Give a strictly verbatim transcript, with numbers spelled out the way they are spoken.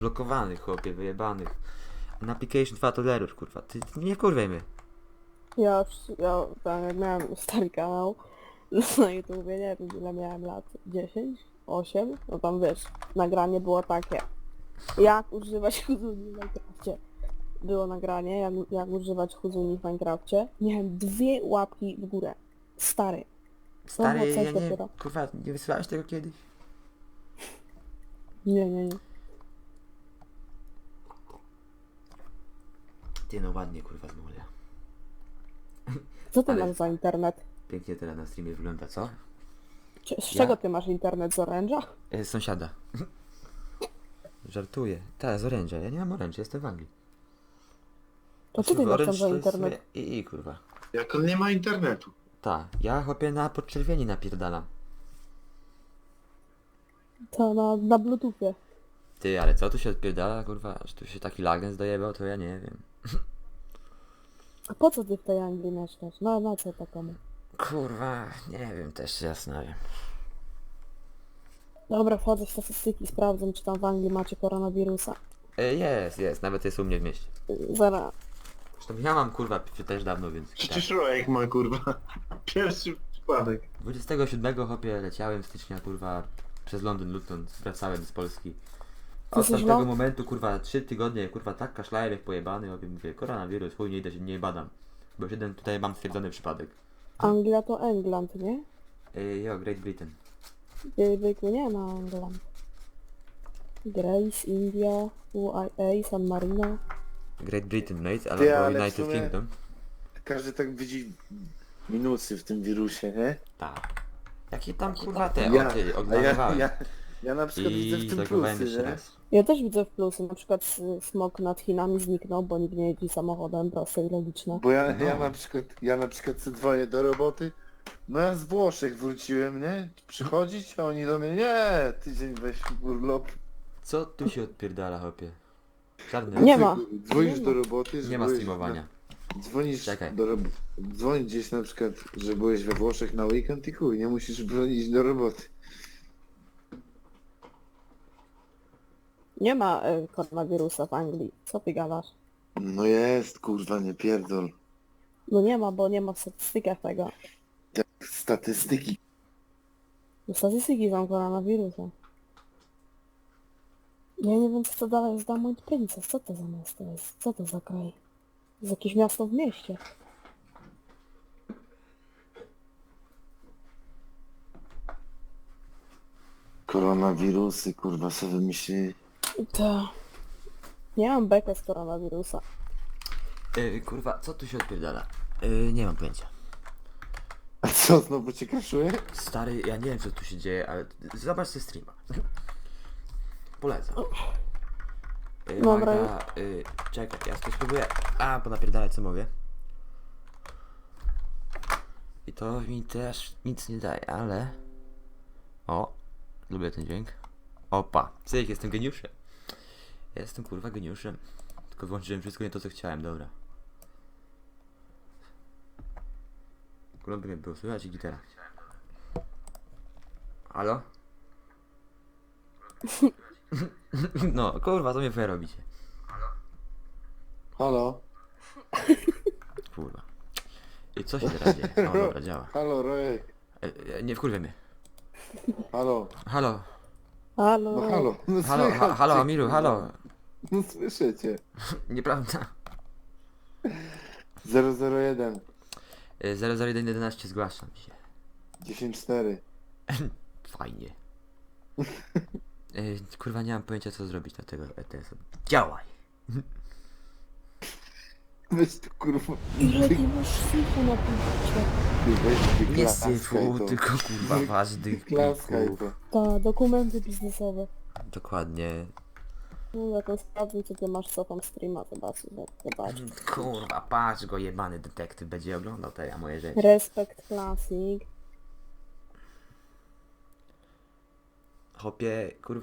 blokowanych, chłopie, wyjebanych. Na application dwa to error, kurwa. Ty, ty nie kurwej mnie. Ja, już- ja tam jak miałem stary kanał na YouTubie, nie wiem ile miałem lat, dziesięć, osiem, no tam wiesz, nagranie było takie, jak używać Huzuni w Minecrafcie. Było nagranie, jak, jak używać Huzuni w Minecrafcie. Miałem dwie łapki w górę. Stary. Stary, było coś ja nie, dopiero. kurwa, nie wysyłałeś tego kiedyś? Nie, nie, nie. Ty no ładnie, kurwa, zmulia. Co ty Ale- masz za internet? Pięknie teraz na streamie wygląda, co? Cie- Z Ja? czego ty masz internet? Z oręża? E, sąsiada. Żartuję. Tak, z oręża. Ja nie mam oręża, jestem w Anglii. To co ty masz tam Orange za to jest internet? sobie- I, i kurwa. Jak on nie ma internetu. Tak, ja chłopie na podczerwieni napierdalam. To na, na bluetoothie. Ty, ale co tu się odpierdala, kurwa? Że tu się taki lagnes dojebał, to ja nie wiem. A po co ty w tej Anglii mieszkasz? No, na co takomu? Kurwa, nie wiem, też się zastanawiam. Dobra, wchodzę w statystyki, sprawdzę, czy tam w Anglii macie koronawirusa. E, jest, jest, nawet jest u mnie w mieście. Zaraz. Zresztą ja mam kurwa p- też dawno, więc... Przecież Rojek ma kurwa. Pierwszy przypadek. dwudziestego siódmego hopie leciałem stycznia, kurwa, przez Londyn, Luton, wracałem z Polski. A od Jesteś tamtego lo- momentu, kurwa, trzy tygodnie, kurwa, tak kaszlałem jak pojebany, hopie, mówię, koronawirus, chuj, nie idę się, nie badam. Bo już jeden tutaj mam stwierdzony przypadek. Anglia to England, nie? E, jo, Great Britain. Zwykły nie ma England. Grace, India, U I A, San Marino. Great Britain, mate, Ty, albo ale w United sumie- Kingdom. Każdy tak widzi minusy w tym wirusie, nie? Tak. Jakie tam, kurwa, te, Ja, o, ty, a ja, oglądałem. ja, ja na przykład widzę I w tym zagłowałem plusy, jeszcze nie? raz. Ja też widzę w plusy, na przykład s- smog nad Chinami zniknął, bo nikt nie jeździ samochodem, proste i logiczne. Bo ja, No. ja na przykład, ja na przykład co dzwonię do roboty, no ja z Włoszech wróciłem, nie? Przychodzić, a oni do mnie, nie, tydzień weź urlop. Co tu się odpierdala, hopie? Żadne. Nie ma. Dzwonisz Nie do ma. roboty, że Nie ma byłeś streamowania. Na, dzwonisz Czekaj. do roboty. Dzwonić gdzieś na przykład, że byłeś we Włoszech na weekend i chuj, nie musisz dzwonić do roboty. Nie ma y, koronawirusa w Anglii. Co ty gadasz? No jest, kurwa, nie pierdol. No nie ma, bo nie ma w statystykach tego. Statystyki. No statystyki są koronawirusa. Ja nie wiem co to dalej jest Diamond Princess. Co to za miasto jest? Co to za kraj? To jest jakieś miasto w mieście. Koronawirusy, kurwa, sobie wymyślili. To... Nie mam bekę z koronawirusa. Yy, kurwa, co tu się odpierdala? Yy, nie mam pojęcia. A co, znowu cię kraszuje? Stary, ja nie wiem co tu się dzieje, ale zobacz sobie streama. Polecam. Yy, Dobra. Magda, yy, czekaj, ja to spróbuję. A, ponapierdalać co mogę. I to mi też nic nie daje, ale... O, lubię ten dźwięk. Opa, cyk, jestem geniuszem. Jestem kurwa geniuszem. Tylko włączyłem wszystko nie to co chciałem, dobra. Kurwa by mnie było słychać i gitara. Halo? No, kurwa, co mnie wy robicie? Halo? Kurwa. I co się teraz dzieje? O, dobra, działa. Halo, Rojek. E, e, nie wkurwaj mnie. Halo. Halo, Halo? No halo. No halo, ha, słychać halo, cię, Amiru, kurwa. halo. No słyszę cię. Nieprawda. zero zero jeden. E, zero zero jeden jedenaście zgłaszam się. dziesięć cztery. Fajnie. E, kurwa, nie mam pojęcia co zrobić na tego E T S-a. Działaj! Weź tu kurwa. Ile ty masz syfu na punkcie? Ty weź ty Nie klaskaj syfu, to. tylko kurwa ważnych Klaskaj plików. to. Ta, dokumenty biznesowe. Dokładnie. No ja to sprawdzę co ty masz, co tam streama, zobaczę, zobacz. Kurwa, patrz go jebany detektyw będzie oglądał te moje rzeczy. Respect Classic. Hopie, kurwa.